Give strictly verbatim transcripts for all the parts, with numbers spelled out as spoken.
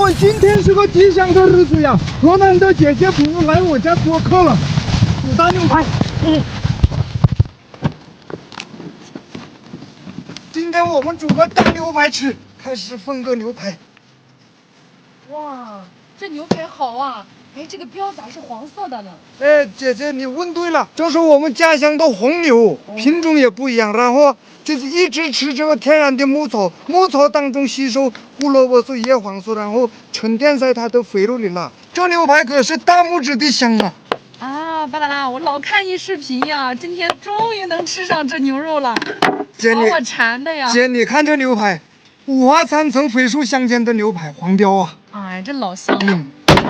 我今天是个吉祥的日子呀，河南的姐姐朋友来我家做客了，煮大牛排。嗯，今天我们煮个大牛排吃，开始分个牛排。 哇，这牛排好啊！哎，这个标咋是黄色的呢？ 哎，姐姐你问对了，这是我们家乡的红牛，品种也不一样，然后就是一直吃这个天然的牧草，牧草当中吸收胡萝卜素、叶黄素，然后沉淀在它的肥肉里了。这牛排可是大拇指的香啊！ 啊，巴啦啦，我老看你视频呀，今天终于能吃上这牛肉了， 姐你把我馋的呀！ 姐，你看这牛排，五花三层肥瘦相间的牛排，黄标啊！ 哎，这老香了。 嗯。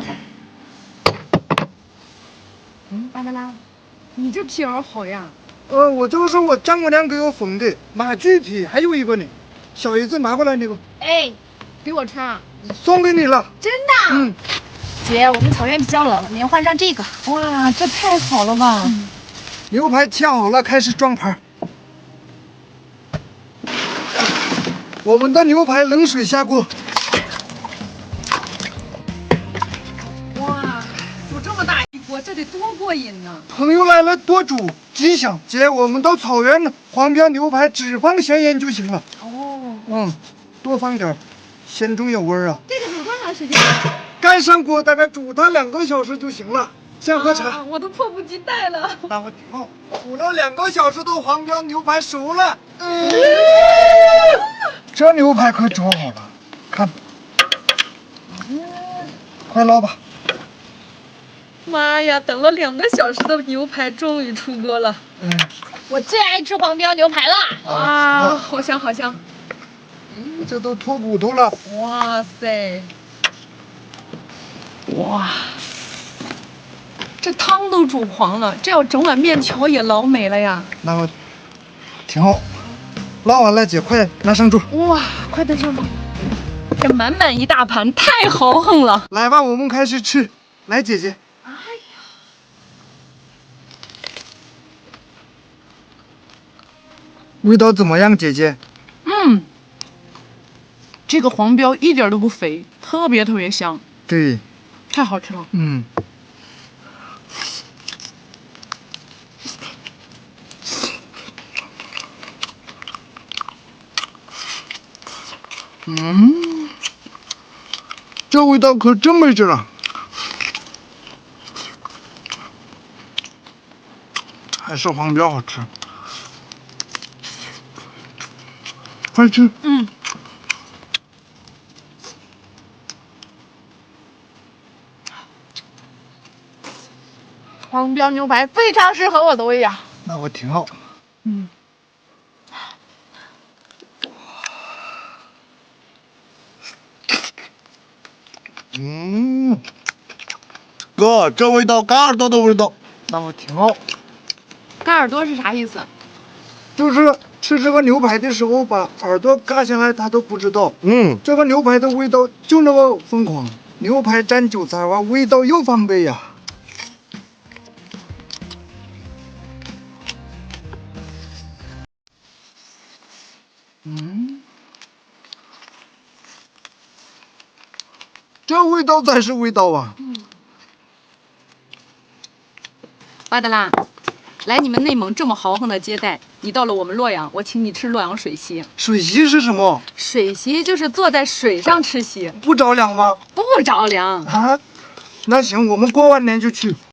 嗯，巴啦啦，你这皮袄好呀。 呃，我这个是我丈母娘给我缝的马具皮，还有一个呢，小姨子拿过来那个， 哎，给我穿啊！ 送给你了。 真的？ 嗯， 姐，我们草原比较冷，您换上这个。哇，这太好了吧！嗯、 牛排切好了，开始装盘。我们的牛排冷水下锅。 哇，煮这么大一锅，这得多过瘾呢！ 朋友来了多煮，吉祥。姐，我们到草原黄标牛排只放咸盐就行了。 哦， 嗯，多放点，鲜中有味儿啊。 这个煮多长时间？ 盖上锅，大概煮它两个小时就行了。先喝茶。 啊，我都迫不及待了。 那我挺好。煮了两个小时的黄标牛排熟了。嗯，这牛排可煮好了，看， 嗯， 快捞吧。 妈呀，等了两个小时的牛排终于出锅了。 嗯， 我最爱吃黄标牛排了。啊，好香好香。 嗯，这都脱骨头了。 哇塞！哇，这汤都煮黄了，这要整碗面条也老美了呀。 那我挺好，捞完了，姐快拿上桌。 哇，快登上吧！这满满一大盘，太豪横了。 来吧，我们开始吃。来，姐姐。 哎呀， 味道怎么样，姐姐？ 嗯，这个黄标一点都不肥，特别特别香， 对， 太好吃了。 嗯。嗯，这味道可真没劲了，还是黄标好吃。快吃！ 嗯，黄标牛排非常适合我的胃呀。 那我挺好。 嗯。 嗯，哥，这味道嘎耳朵的味道，那我挺好。 嘎耳朵是啥意思？ 就是吃这个牛排的时候把耳朵嘎下来，他都不知道。嗯，这个牛排的味道就那么疯狂，牛排蘸韭菜哇，味道又翻倍呀。嗯，这味道才是味道啊！ 嗯，巴德拉，来你们内蒙这么豪横的接待，你到了我们洛阳，我请你吃洛阳水席。 水席是什么？ 水席就是坐在水上吃席， 不着凉吗？ 不着凉。 啊，那行，我们过完年就去。